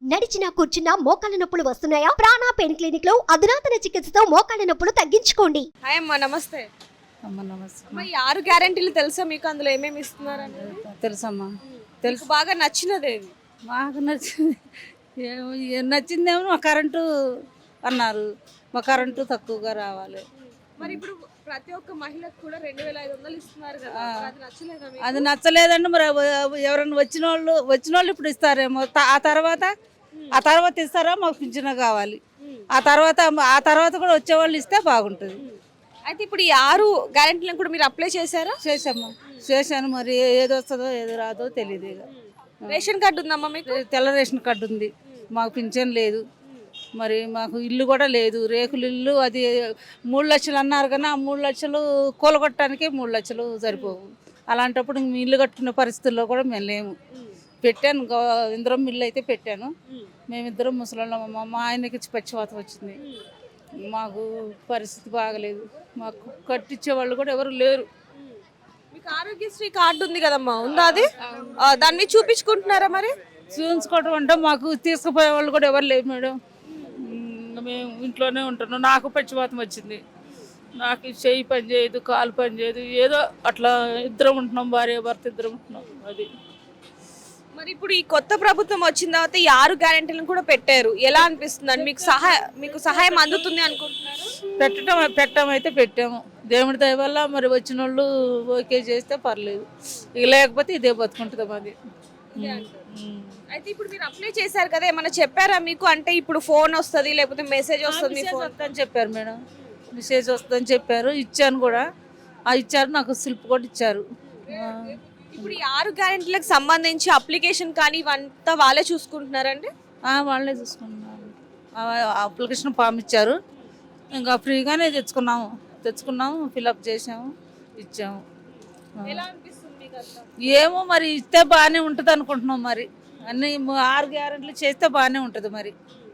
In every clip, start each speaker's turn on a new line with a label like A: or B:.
A: నడిచినా కూర్చున్నా మోకాళ్ళ నొప్పులు వస్తున్నాయా? ప్రాణ పెయిన్ క్లినిక్ లో అధునాతన చికిత్సతో మోకాళ్ళ నొప్పులు తగ్గించుకోండి.
B: హాయ్ అమ్మా, నమస్తే
C: అమ్మ నమస్తే.
B: అమ్మా. ఈ 6 గ్యారెంటీలు తెలుసా మీకు? అందులో ఏమేమి ఇస్తున్నారని
C: తెలుసమ్మా.
B: తెలుసు. బాగా నచ్చినది ఏది?
C: మాకు నచ్చింది నచ్చిందేమో మా కరెంటు అన్నారు. మా కరెంటు తక్కువగా రావాలి.
B: మరి ఇప్పుడు ప్రతి ఒక్క మహిళకు కూడా 2500 ఇస్తున్నారు కదా, మరి అది నచ్చలేదా మీకు?
C: అది నచ్చలేదండి. మరి ఎవరైనా వచ్చిన వాళ్ళు ఇప్పుడు ఇస్తారేమో. ఆ తర్వాత ఇస్తారా? మాకు పింఛన కావాలి. ఆ తర్వాత కూడా వచ్చేవాళ్ళు ఇస్తే బాగుంటుంది.
B: అయితే ఇప్పుడు ఈ 6 గ్యారెంటీలను కూడా మీరు అప్లై చేశారా?
C: చేశాను. మరి ఏది వస్తుందో ఏది రాదో తెలియదు. ఇక
B: రేషన్ కార్డు ఉందమ్మా మీకు?
C: తెల్ల రేషన్ కార్డు ఉంది. మాకు పింఛన్ లేదు. మరి మాకు ఇల్లు కూడా లేదు. రేకులు ఇల్లు. అది 3 లక్షలు అన్నారు కానీ ఆ 3 లక్షలు కూలగొట్టడానికి 3 లక్షలు సరిపోవు. అలాంటప్పుడు మీ ఇల్లు కట్టుకునే పరిస్థితుల్లో కూడా మేము లేము. పెట్టాను ఇంద్రం ఇల్లు అయితే పెట్టాను. మేమిద్దరం ముసలిళ్ళం. మా ఆయనకి పచ్చివాత వచ్చింది. మాకు పరిస్థితి బాగలేదు. మాకు కట్టించే వాళ్ళు కూడా ఎవరు లేరు.
B: మీకు ఆరోగ్యశ్రీ కార్డు ఉంది కదమ్మా, ఉందా అది? దాన్ని చూపించుకుంటున్నారా? మరి
C: చూపించుకోవడం అంటే మాకు తీసుకుపోయే వాళ్ళు కూడా ఎవరు లేరు మేడం. మేము ఇంట్లోనే ఉంటున్నాం. నాకు పచ్చివాతం వచ్చింది. నాకు చెయ్యి పని చేయదు, కాలు పని చేయదు. ఏదో అట్లా ఇద్దరం ఉంటున్నాం, భార్య భర్త ఇద్దరం ఉంటున్నాం. అది
B: మరి ఇప్పుడు ఈ కొత్త ప్రభుత్వం వచ్చిన తర్వాత ఈ 6 గ్యారెంటీలను కూడా పెట్టారు. ఎలా అనిపిస్తుంది? మీకు సహాయం అందుతుంది అనుకుంటున్నారు?
C: పెట్టడం అయితే పెట్టాము. దేవుడి దయ వల్ల మరి వచ్చిన వాళ్ళు ఓకే చేస్తే పర్లేదు. ఇక లేకపోతే ఇదే బతుకుంటుంది మాది.
B: అయితే ఇప్పుడు మీరు అప్లై చేశారు కదా, ఏమన్నా చెప్పారా మీకు? అంటే ఇప్పుడు ఫోన్ వస్తుంది లేకపోతే మెసేజ్ వస్తుంది
C: వస్తుందని చెప్పారు మేడం. మెసేజ్ వస్తుందని చెప్పారు. ఇచ్చాను కూడా. ఇచ్చారు. నాకు స్లిప్ కూడా ఇచ్చారు.
B: ఇప్పుడు ఈ 6 గ్యారెంటీలకు సంబంధించి అప్లికేషన్ కానీ ఇవంతా వాళ్ళే చూసుకుంటున్నారండి?
C: వాళ్ళే చూసుకుంటున్నారు. అప్లికేషన్ ఫామ్ ఇచ్చారు. ఇంకా ఫ్రీగానే తెచ్చుకున్నాము, ఫిలప్ చేసాము, ఇచ్చాము.
B: ఎలా అనిపిస్తుంది మీకు అంతా?
C: ఏమో మరి ఇస్తే బాగానే ఉంటుంది అనుకుంటున్నాం. మరి అన్ని 6 గ్యారెంటీలు చేస్తే బాగానే ఉంటుంది. మరి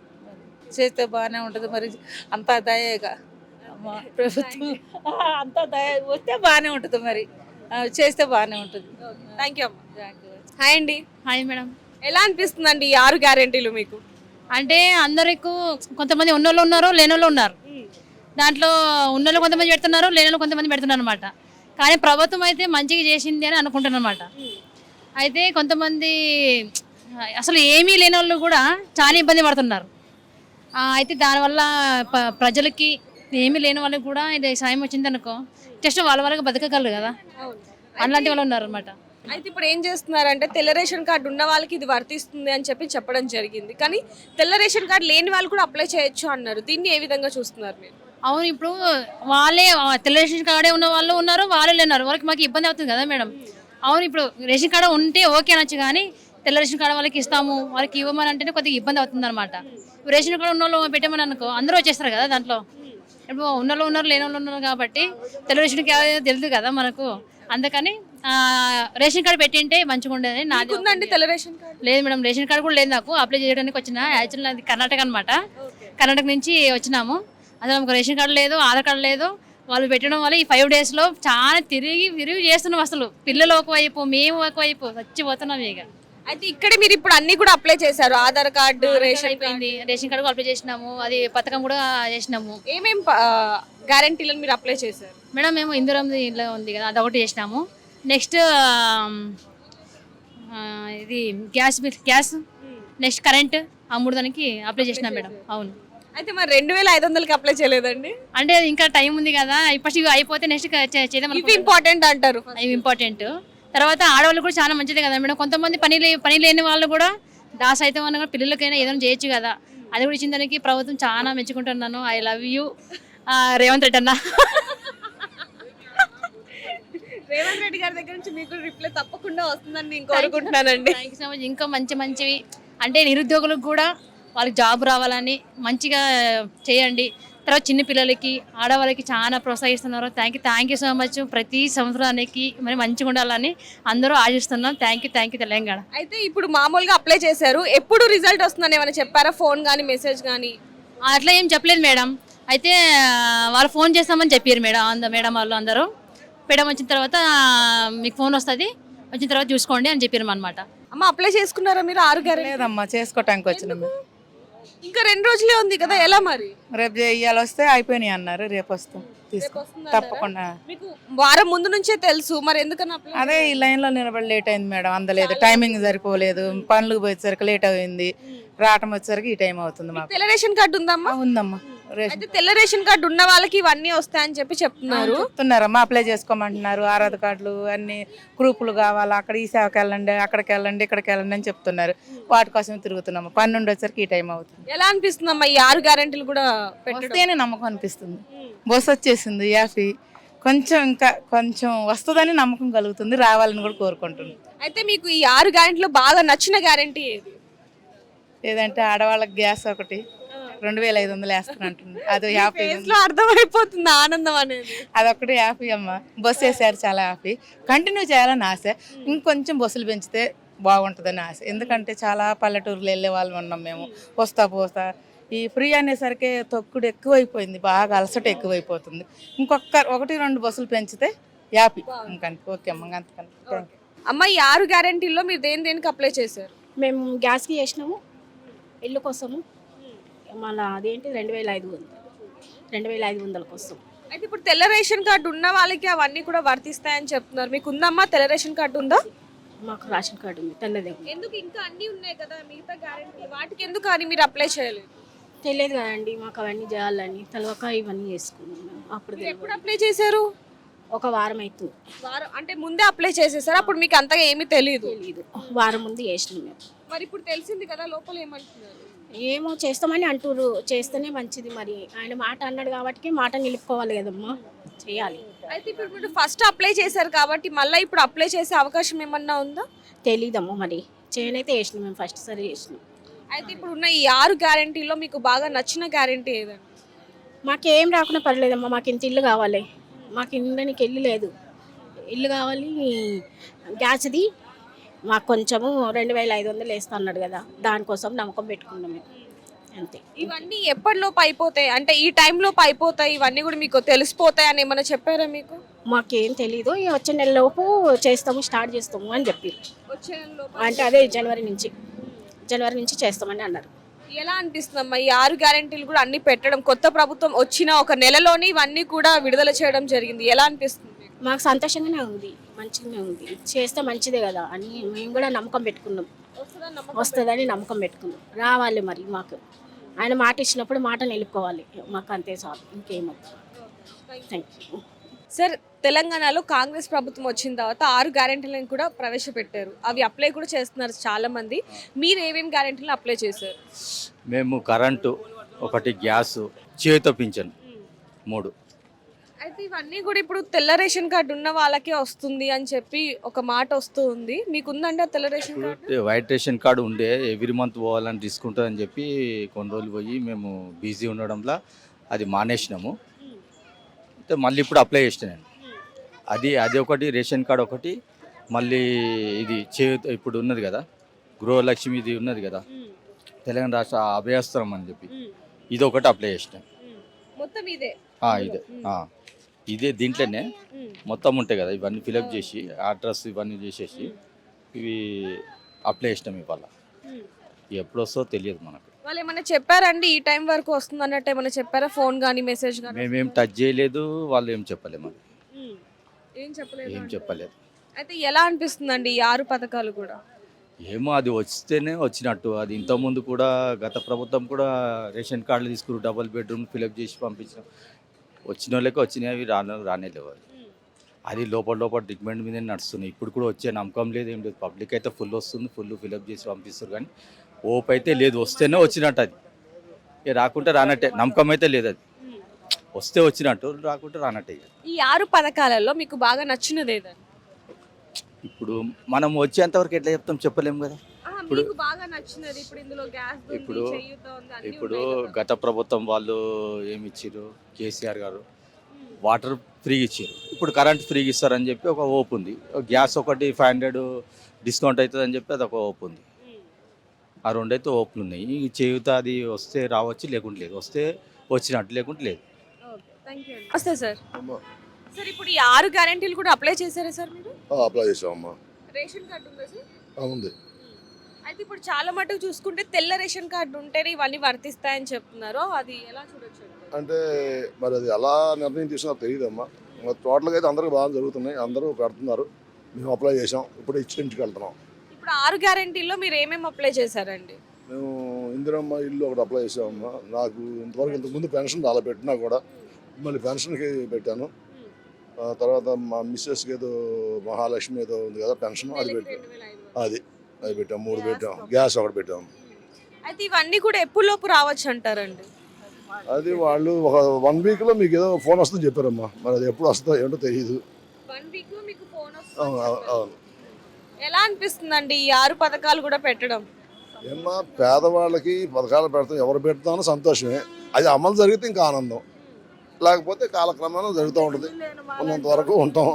C: మరి అంతా దయగా ప్రభుత్వం అంతా దయ వస్తే బాగానే ఉంటుంది. మరి చేస్తే బాగానే ఉంటుంది.
B: థ్యాంక్ యూ అమ్మా. హాయ్ అండి.
D: Hi madam.
B: ఎలా అనిపిస్తుంది అండి ఈ 6 గ్యారెంటీలు మీకు?
D: అంటే అందరికి కొంతమంది ఉన్నోళ్ళు ఉన్నారు, లేనోళ్ళు ఉన్నారు. దాంట్లో ఉన్నోళ్ళు కొంతమంది పెడుతున్నారు, లేనోళ్ళు కొంతమంది పెడుతున్నారు అనమాట. కానీ ప్రభుత్వం అయితే మంచిగా చేసింది అని అనుకుంటున్నారు అనమాట. అయితే కొంతమంది అసలు ఏమీ లేని వాళ్ళు కూడా చాలా ఇబ్బంది పడుతున్నారు. అయితే దానివల్ల ప్రజలకి ఏమీ లేని వాళ్ళకి కూడా ఇది సాయం వచ్చింది అనుకో, జస్ట్ వాళ్ళ వాళ్ళకి బతకగలరు కదా, అలాంటి వాళ్ళు ఉన్నారు అనమాట.
B: అయితే ఇప్పుడు ఏం చేస్తున్నారంటే తెల్ల రేషన్ కార్డు ఉన్న వాళ్ళకి ఇది వర్తిస్తుంది అని చెప్పడం జరిగింది. కానీ తెల్ల రేషన్ కార్డు లేని వాళ్ళు కూడా అప్లై చేయొచ్చు అన్నారు. దీన్ని ఏ విధంగా చూస్తున్నారు మీరు?
D: అవును, ఇప్పుడు వాళ్ళే తెల్ల రేషన్ కార్డే ఉన్న వాళ్ళు ఉన్నారు, వాళ్ళే లేన్నారు. వాళ్ళకి మాకు ఇబ్బంది అవుతుంది కదా మేడం. అవును, ఇప్పుడు రేషన్ కార్డు ఉంటే ఓకే అనొచ్చు, కానీ తెల్ల రేషన్ కార్డు వాళ్ళకి ఇస్తాము, వాళ్ళకి ఇవ్వమని అంటేనే కొద్దిగా ఇబ్బంది అవుతుంది అనమాట. రేషన్ కార్డు ఉన్న వాళ్ళు పెట్టమని అనుకో అందరూ వచ్చేస్తారు కదా దాంట్లో. ఇప్పుడు ఉన్నోళ్ళు ఉన్నారు, లేని వాళ్ళు ఉన్నారు కాబట్టి తెల్ల రేషన్ కార్డు తెలుసు కదా మనకు. అందుకని రేషన్ కార్డు పెట్టింటే మంచిగా ఉండేది. నాది
B: ఉందండి తెల్ల రేషన్ కార్డు?
D: లేదు మేడం, రేషన్ కార్డు కూడా లేదు నాకు. అప్లై చేయడానికి వచ్చిన యాక్చువల్ అది కర్ణాటక అనమాట. కర్ణాటక నుంచి వచ్చినాము. అసలు మాకు రేషన్ కార్డు లేదు, ఆధార్ కార్డు లేదు. వాళ్ళు పెట్టడం వల్ల ఈ 5 డేస్లో చాలా తిరిగి చేస్తున్నాం. అసలు పిల్లలు ఒకవైపు, మేము ఒకవైపు చచ్చిపోతున్నాం ఇక.
B: అయితే ఇక్కడ మీరు ఇప్పుడు అన్ని కూడా అప్లై చేశారు? ఆధార్ కార్డు, రేషన్
D: అయిపోయింది, రేషన్ కార్డు అప్లై చేసినాము, అది పథకం కూడా చేసినాము.
B: ఏమేం గ్యారెంటీలను మీరు అప్లై చేశారు
D: మేడం? మేము ఇందిరం ఇంట్లో ఉంది కదా, అది ఒకటి చేసినాము. నెక్స్ట్ ఇది గ్యాస్, నెక్స్ట్ కరెంట్, ఆ 3 దానికి అప్లై చేసినాం మేడం. అవును.
B: అయితే మరి 2500కి అప్లై చేయలేదండి?
D: అంటే ఇంకా టైం ఉంది కదా, ఇప్పటి ఇవి నెక్స్ట్ చేద్దాం.
B: ఇవి ఇంపార్టెంట్ అంటారు?
D: ఇవి ఇంపార్టెంట్. తర్వాత ఆడవాళ్ళు కూడా చాలా మంచిదే కదా మేడం. కొంతమంది పని లేని వాళ్ళు కూడా దాస్ అయితే అన్న కూడా పిల్లలకైనా ఏదైనా చేయొచ్చు కదా. అది కూడా ఇచ్చిన దానికి ప్రభుత్వం చాలా మెచ్చుకుంటున్నాను. I love you Revanth Reddy అన్న.
B: రేవంత్ రెడ్డి గారి దగ్గర నుంచి మీకు రిప్లై తప్పకుండా వస్తుందని నేను కోరుకుంటున్నానండి.
D: Thank you so much. ఇంకా మంచివి అంటే నిరుద్యోగులకు కూడా వాళ్ళకి జాబ్ రావాలని మంచిగా చేయండి. తర్వాత చిన్న పిల్లలకి, ఆడవాళ్ళకి చాలా ప్రోత్సహిస్తున్నారు. Thank you so much. ప్రతి సంవత్సరానికి మరి మంచిగా ఉండాలని అందరూ ఆశిస్తున్నాం. Thank you Telangana.
B: అయితే ఇప్పుడు మామూలుగా అప్లై చేశారు, ఎప్పుడు రిజల్ట్ వస్తుందని ఏమైనా చెప్పారా? ఫోన్ కానీ మెసేజ్ కానీ?
D: అట్లా ఏం చెప్పలేదు మేడం. అయితే వాళ్ళు ఫోన్ చేస్తామని చెప్పారు మేడం వాళ్ళు అందరూ. పెట్టడం వచ్చిన తర్వాత మీకు ఫోన్ వస్తుంది, వచ్చిన తర్వాత చూసుకోండి అని చెప్పారు అనమాట.
B: అమ్మ అప్లై చేసుకున్నారా మీరు 6 గ్యారెంటీ?
E: లేదమ్మా, చేసుకోవటానికి వచ్చినాం మేము.
B: ఇంకా 2 రోజులే ఉంది కదా, ఎలా మరి?
E: రేపు ఇవాళ వస్తే అయిపోయినాయి అన్నారు, రేపు వస్తాం తీసుకో
B: వస్తుందన్నారా?
E: తప్పకుండా.
B: మీకు వారం ముందు నుంచే తెలుసు, మరి ఎందుకని అప్లై?
E: అదే ఈ లైన్లో నిలబడి లేట్ అయింది మేడం, అందలేదు, టైమింగ్ సరిపోలేదు, పనులకు పోయేసరికి లేట్ అయింది, రావటం వచ్చేసరికి ఈ టైం అవుతుంది మాకు.
B: తెల్ల రేషన్ కార్డు ఉందమ్మా?
E: ఉందమ్మా రేషన్
B: అయితే తెల్ల రేషన్ కార్డు ఉన్న వాళ్ళకి ఇవన్నీ వస్తాయని చెప్పి చెప్తున్నారు.
E: చెప్తున్నారమ్మా, అప్లై చేసుకోమంటున్నారు, ఆధార్ కార్డులు అన్ని ప్రూఫ్లు కావాలా, అక్కడ ఈ సేవకి వెళ్ళండి, అక్కడికి వెళ్ళండి, ఇక్కడికి వెళ్ళండి అని చెప్తున్నారు. వాటి కోసం తిరుగుతున్నాము, 12 వచ్చేసరికి ఈ టైం అవుతుంది.
B: ఎలా అనిపిస్తుందమ్మా ఈ 6 గ్యారెంటీలు కూడా పెట్టడం?
E: వస్తేనే నమ్మకం అనిపిస్తుంది. బస్సు వచ్చేసింది యాఫీ, కొంచెం ఇంకా కొంచెం వస్తుందని నమ్మకం కలుగుతుంది, రావాలని కూడా కోరుకుంటున్నాను.
B: అయితే మీకు ఈ 6 గ్యారెంటీలో బాగా నచ్చిన గ్యారెంటీ ఏది?
E: ఏదంటే ఆడవాళ్ళకి గ్యాస్ ఒకటి 2500 వేస్తానంటుంది, అది హ్యాపీ.
B: ఫేస్ లో అర్థమైపోతుంది ఆనందం అనేది.
E: అదొకటి హ్యాపీ అమ్మ. బస్సు వేసారు, చాలా హ్యాపీ. కంటిన్యూ చేయాలని ఆశ, ఇంకొంచెం బస్సులు పెంచితే బాగుంటుందని ఆశ. ఎందుకంటే చాలా పల్లెటూరులో వెళ్ళే వాళ్ళు ఉన్నాం మేము, వస్తా పోస్తా. ఈ ఫ్రీ అనేసరికి తొక్కుడు ఎక్కువైపోయింది, బాగా అలసట ఎక్కువైపోతుంది. ఇంకొక 1-2 బస్సులు పెంచితే హ్యాపీ. ఇంకంతే, ఓకే అమ్మ, అంతకంటే థ్యాంక్ యూ.
B: అమ్మ ఈ 6 గ్యారెంటీల్లో మీరు దేనికి అప్లై చేశారు?
F: మేము గ్యాస్కి చేసినాము, ఇల్లు కోసము, మళ్ళీ అదేంటి 2500 కోసం.
B: అయితే ఇప్పుడు తెల్ల రేషన్ కార్డు ఉన్న వాళ్ళకి అవన్నీ కూడా వర్తిస్తాయని చెప్తున్నారు. మీకు ఉందమ్మా తెల్ల రేషన్ కార్డు ఉందా?
F: మాకు రేషన్ కార్డు ఉంది, తెల్లదే ఉంది.
B: ఎందుకు ఇంకా అన్ని ఉన్నాయి కదా మిగతా గ్యారెంటీ, వాటికి ఎందుకు అని మీరు అప్లై చేయలేదు?
F: తెలియదు కదండి మాకు అవన్నీ చేయాలని, తెలవక ఇవన్నీ చేసుకున్నాం మేము. అప్పుడు
B: మీరు
F: తెలియదు.
B: ఎప్పుడు అప్లై చేశారు?
F: ఒక వారం అవుతుంది.
B: వారం అంటే ముందే అప్లై చేసేసారు, అప్పుడు మీకు అంతగా ఏమీ తెలియదు?
F: తెలీదు, వారం ముందు చేసినాం మేము.
B: మరి ఇప్పుడు తెలిసింది కదా, లోపల ఏమంటున్నారు?
F: ఏమో చేస్తామని అంటుర్రు, చేస్తేనే మంచిది. మరి ఆయన మాట అన్నాడు కాబట్టి మాట నిలుపుకోవాలి కదమ్మా, చేయాలి.
B: అయితే ఇప్పుడు మీరు ఫస్ట్ అప్లై చేశారు కాబట్టి మళ్ళీ ఇప్పుడు అప్లై చేసే అవకాశం ఏమన్నా ఉందా?
F: తెలీదమ్మా, మరి చేయనైతే చేసినాం మేము, ఫస్ట్ సరి చేసినాం.
B: అయితే ఇప్పుడు ఉన్న ఈ 6 గ్యారెంటీలో మీకు బాగా నచ్చిన గ్యారెంటీ ఏదండి?
F: మాకేం రాకుండా పర్లేదమ్మా, మాకు ఇంత ఇల్లు కావాలి. మాకు ఇండానికి ఇల్లు లేదు, ఇల్లు కావాలి. గ్యాస్ది మాకు కొంచెము 2500 వేస్తా అన్నాడు కదా, దానికోసం నమ్మకం పెట్టుకున్నాం మేము, అంతే.
B: ఇవన్నీ ఎప్పటిలోపు అయిపోతాయి అంటే ఈ టైంలోపు అయిపోతాయి, ఇవన్నీ కూడా మీకు తెలిసిపోతాయి అని ఏమైనా చెప్పారా మీకు?
F: మాకేం తెలీదు, ఈ వచ్చే నెల లోపు చేస్తాము, స్టార్ట్ చేస్తాము అని చెప్పారు.
B: వచ్చే నెలలోపు
F: అంటే అదే జనవరి నుంచి చేస్తామని అన్నారు.
B: ఎలా అనిపిస్తుందమ్మా ఈ 6 గ్యారెంటీలు కూడా అన్ని పెట్టడం, కొత్త ప్రభుత్వం వచ్చిన ఒక నెలలోనే ఇవన్నీ కూడా విడుదల చేయడం జరిగింది, ఎలా అనిపిస్తుంది?
F: మాకు సంతోషంగానే ఉంది, మంచిగానే ఉంది. చేస్తే మంచిదే కదా అని మేము కూడా నమ్మకం పెట్టుకున్నాం, వస్తుందని నమ్మకం పెట్టుకున్నాం. రావాలి మరి, మాకు ఆయన మాట ఇచ్చినప్పుడు మాట నిలుపుకోవాలి, మాకు అంతే చాలు, ఇంకేమవుతుంది. Thank you.
B: సార్, తెలంగాణలో కాంగ్రెస్ ప్రభుత్వం వచ్చిన తర్వాత 6 గ్యారెంటీలను కూడా ప్రవేశపెట్టారు, అవి అప్లై కూడా చేస్తున్నారు చాలా మంది. మీరు ఏమేమి గ్యారెంటీలు అప్లై చేశారు?
G: మేము కరెంటు ఒకటి, గ్యాసు, చేతితో పింఛన్ 3.
B: అయితే ఇవన్నీ కూడా ఇప్పుడు తెల్ల రేషన్ కార్డు ఉన్న వాళ్ళకే వస్తుంది అని చెప్పి ఒక మాట వస్తూ ఉంది, మీకు ఉందంటే ఆ తెల్ల ration card?
G: White ration card ఉండే ఎవ్రీ మంత్ పోవాలని తీసుకుంటుంది అని చెప్పి కొన్ని రోజులు పోయి మేము బిజీ ఉండడంలో అది మానేసినాము. అయితే మళ్ళీ ఇప్పుడు అప్లై చేసిన నేను, అది ఒకటి, రేషన్ కార్డు ఒకటి, మళ్ళీ ఇది ఇప్పుడు ఉన్నది కదా గృహలక్ష్మి, ఇది ఉన్నది కదా తెలంగాణ రాష్ట్ర అభయస్త్రం అని చెప్పి, ఇది ఒకటి అప్లై చేసిన.
B: మొత్తం ఇదే
G: ఇదే దీంట్లోనే మొత్తం ఉంటాయి కదా, ఇవన్నీ ఫిలప్ చేసి అడ్రస్ ఇవన్నీ చేసేసి ఇవి అప్లై చేసినాం. ఇవాళ ఎప్పుడు వస్తుందో తెలియదు మనకు.
B: వాళ్ళు ఏమైనా చెప్పారండి ఈ టైం వరకు వస్తుంది అన్నట్టు ఏమైనా చెప్పారా? ఫోన్ కానీ మెసేజ్ కానీ?
G: మేమేం టచ్ చేయలేదు, వాళ్ళు ఏం చెప్పలేము,
B: ఏం
G: చెప్పలేదు.
B: అయితే ఎలా అనిపిస్తుందండి ఈ 6 పథకాలు కూడా?
G: ఏమో అది వస్తేనే వచ్చినట్టు. అది ఇంతకుముందు కూడా గత ప్రభుత్వం కూడా రేషన్ కార్డులు తీసుకుని డబుల్ బెడ్రూమ్ ఫిలప్ చేసి పంపించాం, వచ్చిన వాళ్ళకి వచ్చినవి రానేలేవు. అది లోపల డిగ్మెంట్ మీదే నడుస్తున్నాయి. ఇప్పుడు కూడా వచ్చే నమ్మకం లేదు, ఏం లేదు. పబ్లిక్ అయితే ఫుల్ వస్తుంది, ఫుల్ ఫిలప్ చేసి పంపిస్తారు, కానీ ఓప్ అయితే లేదు. వస్తేనే వచ్చినట్టు, అది రాకుంటే రానట్టే. నమ్మకం అయితే లేదు, అది వస్తే వచ్చినట్టు, రాకుంటే రానట్టే.
B: ఈ 6 పథకాలలో మీకు బాగా నచ్చినది ఏదండి?
G: ఇప్పుడు మనం వచ్చేంతవరకు ఎట్లా చెప్తాం, చెప్పలేము కదా.
B: మీకు బాగా నచ్చినది ఇప్పుడు ఇందులో గ్యాస్ ఉంది,
G: ఇప్పుడు
B: చేయూత ఉంది, అన్నీ
G: ఇప్పుడు
B: ఉన్నాయి కదా.
G: గత ప్రభుత్వం వాళ్ళు ఏమి ఇచ్చారు, కేసీఆర్ గారు వాటర్ ఫ్రీగా ఇచ్చారు, ఇప్పుడు కరెంట్ ఫ్రీగా ఇస్తారని చెప్పి ఒక ఓప్ ఉంది. గ్యాస్ ఒకటి 500 డిస్కౌంట్ అవుతుంది అని చెప్పి అది ఒక ఓప్ ఉంది. ఆ 2 అయితే ఓపెన్ ఉన్నాయి. ఈ చేయూత అది వస్తే రావచ్చు, లేకుంటే లేదు. వస్తే వచ్చినట్టు, లేకుంటే లేదు.
B: వస్తే సార్ సార్ ఇప్పుడు ఈ 6 గ్యారెంటీలు కూడా అప్లై చేశారా సార్ మీరు?
H: అప్లై చేసామమ్మా.
B: రేషన్ కార్డు ఉందా సార్?
H: ఉంది.
B: అయితే ఇప్పుడు చాలా మటుకు చూసుకుంటే తెల్ల రేషన్ కార్డు ఉంటేనే ఇవన్నీ వర్తిస్తాయని చెప్తున్నారు, అది ఎలా చూడొచ్చు అంటారు?
H: అంటే మరి అది ఎలా నిర్ణయం తీసుకున్నా తెలియదమ్మా. టోటల్గా అయితే అందరికీ బాగా జరుగుతున్నాయి, అందరూ పెడుతున్నారు. మేము అప్లై చేసాం, ఇప్పుడు ఇచ్చి ఇంటికి వెళ్తున్నాం.
B: ఇప్పుడు 6 గ్యారెంటీల్లో మీరు ఏమేమి అప్లై చేశారండి?
H: మేము ఇందిరమ్మ ఇల్లు ఒకటి అప్లై చేసామమ్మా. నాకు ఇంతకుముందు పెన్షన్ అలా పెట్టినా కూడా మళ్ళీ పెన్షన్కి పెట్టాను. తర్వాత మా మిస్సెస్కి ఏదో మహాలక్ష్మి ఏదో ఉంది కదా పెన్షన్, అది పెట్టాం. అది పెట్టాం, 3 పెట్టాం. గ్యాస్ ఒకటి పెట్టాం.
B: అయితే ఇవన్నీ కూడా ఎప్పుడులోపు రావచ్చు అంటారండి?
H: అది వాళ్ళు ఒక 1 వీక్లో మీకు ఏదో ఫోన్ వస్తుందని చెప్పారమ్మా. మరి అది ఎప్పుడు వస్తుందో ఏంటో తెలియదు.
B: 1 వీక్ లో మీకు ఫోన్
H: అవును,
B: వస్తుంది.
H: అవును.
B: ఎలా అనిపిస్తుందండి ఈ 6 పథకాలు కూడా పెట్టడం?
H: ఏమ్మా, పేదవాళ్ళకి పథకాలు పెడతాం, ఎవరు పెడతామో సంతోషమే. అది అమలు జరిగితే ఇంకా ఆనందం, లేకపోతే కాలక్రమేణా జరుగుతూ ఉంటుంది. ఉన్నంత వరకు ఉంటాం.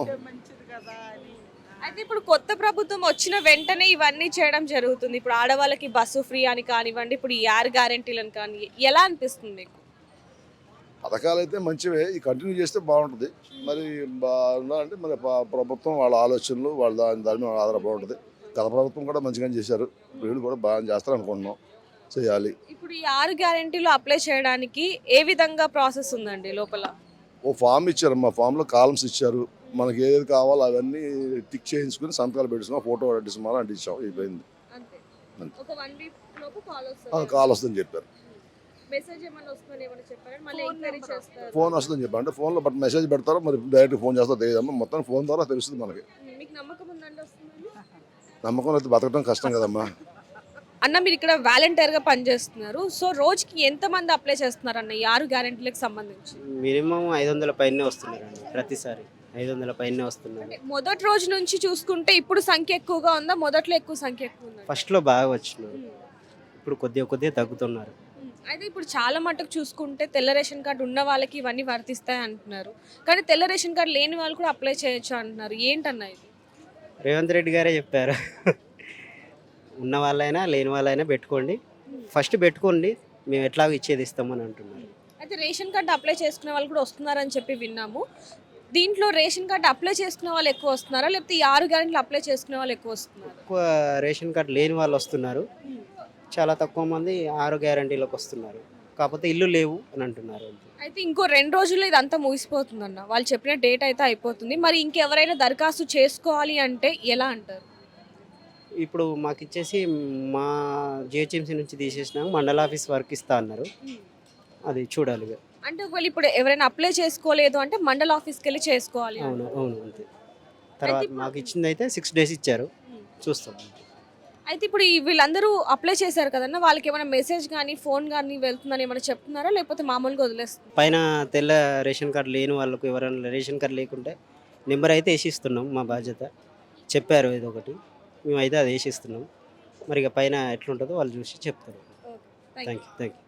B: అయితే ఇప్పుడు కొత్త ప్రభుత్వం వచ్చిన వెంటనే ఇవన్నీ చేయడం జరుగుతుంది. ఇప్పుడు ఆడవాళ్ళకి బస్సు ఫ్రీ అని కానివ్వండి, ఇప్పుడు ఈ 6 గ్యారెంటీలను కానీ ఎలా అనిపిస్తుంది మీకు?
H: పథకాలు అయితే మంచివే, ఈ కంటిన్యూ చేస్తే బాగుంటుంది. మరి అంటే మరి ప్రభుత్వం వాళ్ళ ఆలోచనలు వాళ్ళ దాని మీద ఆధారపడి ఉంటుంది. గత ప్రభుత్వం కూడా మంచిగానే చేశారు, వీళ్ళు కూడా బాగా చేస్తారు అనుకుంటున్నాం, చేయాలి.
B: ఇప్పుడు ఈ 6 గ్యారెంటీలు అప్లై చేయడానికి ఏ విధంగా ప్రాసెస్ ఉందండి లోపల?
H: ఓ ఫామ్ ఇచ్చారమ్మా, ఫామ్లో కాలమ్స్ ఇచ్చారు. మనకి ఏది కావాలో అవన్నీ టిక్ చేయించుకుని సంతకాలు పెట్టించుకున్నాం, ఫోటో అంటించుకోవాలి, అంటించాం, అయిపోయింది.
B: అంతే.
H: అంతే.
B: ఒక 1 వీక్ లోపు కాల్ వస్తుంది.
H: కాల్ వస్తుందని చెప్పారు.
B: మెసేజ్ ఏమైనా వస్తుందని ఏమైనా చెప్పారా? మళ్ళీ ఎంక్వైరీ చేస్తారు.
H: ఫోన్ వస్తుందని చెప్పారు. అంటే ఫోన్లో బట్ మెసేజ్ పెడతారో మరి డైరెక్ట్ ఫోన్ చేస్తారో తెలియదమ్మా. మొత్తం ఫోన్ ద్వారా తెలుస్తుంది మనకి.
B: మీకు నమ్మకం ఉందండి వస్తుందని?
H: నమ్మకం అయితే బతకడం కష్టం కదమ్మా.
B: అన్న మీరు ఇక్కడ వాలంటీర్ గా పనిచేస్తున్నారు, సో రోజుకి ఎంత మంది అప్లై చేస్తున్నారు అన్న ఈ 6 గ్యారెంటీలకు సంబంధించి?
I: మినిమం 500 పైనే వస్తున్నారండి, ప్రతిసారి 500 పైనే వస్తున్నారు.
B: అంటే మొదటి రోజు నుంచి చూసుకుంటే ఇప్పుడు సంఖ్య ఎక్కువగా ఉందా, మొదట్లో ఎక్కువ సంఖ్య ఎక్కువ ఉందా?
I: ఫస్ట్లో బాగా వచ్చినారు, ఇప్పుడు కొద్దిగా తగ్గుతున్నారు.
B: అయితే ఇప్పుడు చాలా మటుకు చూసుకుంటే తెల్ల రేషన్ కార్డు ఉన్న వాళ్ళకి ఇవన్నీ వర్తిస్తాయి అంటున్నారు, కానీ తెల్ల రేషన్ కార్డు లేని వాళ్ళు కూడా అప్లై చేయొచ్చు అంటున్నారు. ఏంటన్నా ఇది?
I: రేవంత్ రెడ్డి గారే చెప్పారు, ఉన్న వాళ్ళైనా లేని వాళ్ళైనా పెట్టుకోండి, ఫస్ట్ పెట్టుకోండి, మేము ఎట్లాగో ఇచ్చేది ఇస్తామని అంటున్నారు.
B: అయితే రేషన్ కార్డు అప్లై చేసుకునే వాళ్ళు కూడా వస్తున్నారని చెప్పి విన్నాము. దీంట్లో రేషన్ కార్డు అప్లై చేసుకునే వాళ్ళు ఎక్కువ వస్తున్నారా, లేకపోతే ఈ 6 గ్యారెంటీలు అప్లై చేసుకునే వాళ్ళు ఎక్కువ వస్తున్నారు?
I: ఎక్కువ రేషన్ కార్డు లేని వాళ్ళు వస్తున్నారు, చాలా తక్కువ మంది 6 గ్యారంటీలకు వస్తున్నారు, కాకపోతే ఇల్లు లేవు అని అంటున్నారు.
B: అయితే ఇంకో 2 రోజుల్లో ఇదంతా ముగిసిపోతుందన్న, వాళ్ళు చెప్పిన డేట్ అయితే అయిపోతుంది. మరి ఇంకెవరైనా దరఖాస్తు చేసుకోవాలి అంటే ఎలా అంటారు?
I: ఇప్పుడు మాకు ఇచ్చేసి మా జిహెచ్ఎంసీ నుంచి తీసేసినాక మండల ఆఫీస్ వర్క్ ఇస్తా అన్నారు, అది చూడాలి ఇక.
B: అంటే ఒకవేళ ఇప్పుడు ఎవరైనా అప్లై చేసుకోలేదు అంటే మండల ఆఫీస్కి వెళ్ళి చేసుకోవాలి.
I: అవును అవును అంతే. తర్వాత మాకు ఇచ్చింది అయితే 6 days ఇచ్చారు, చూస్తాం.
B: అయితే ఇప్పుడు వీళ్ళందరూ అప్లై చేశారు కదన్నా, వాళ్ళకి ఏమైనా మెసేజ్ కానీ ఫోన్ కానీ వెళ్తుందని ఏమైనా చెప్తున్నారా, లేకపోతే మామూలుగా వదిలేస్తుంది?
I: పైన తెల్ల రేషన్ కార్డు లేని వాళ్ళకు ఎవరైనా రేషన్ కార్డు లేకుంటే నెంబర్ అయితే వేసిస్తున్నాం, మా బాధ్యత. చెప్పారు ఏదో ఒకటి, మేమైతే అది వేసిస్తున్నాం. మరి ఇక పైన ఎట్లుంటుందో వాళ్ళు చూసి చెప్తారు.
B: Thank you.
I: Thank you.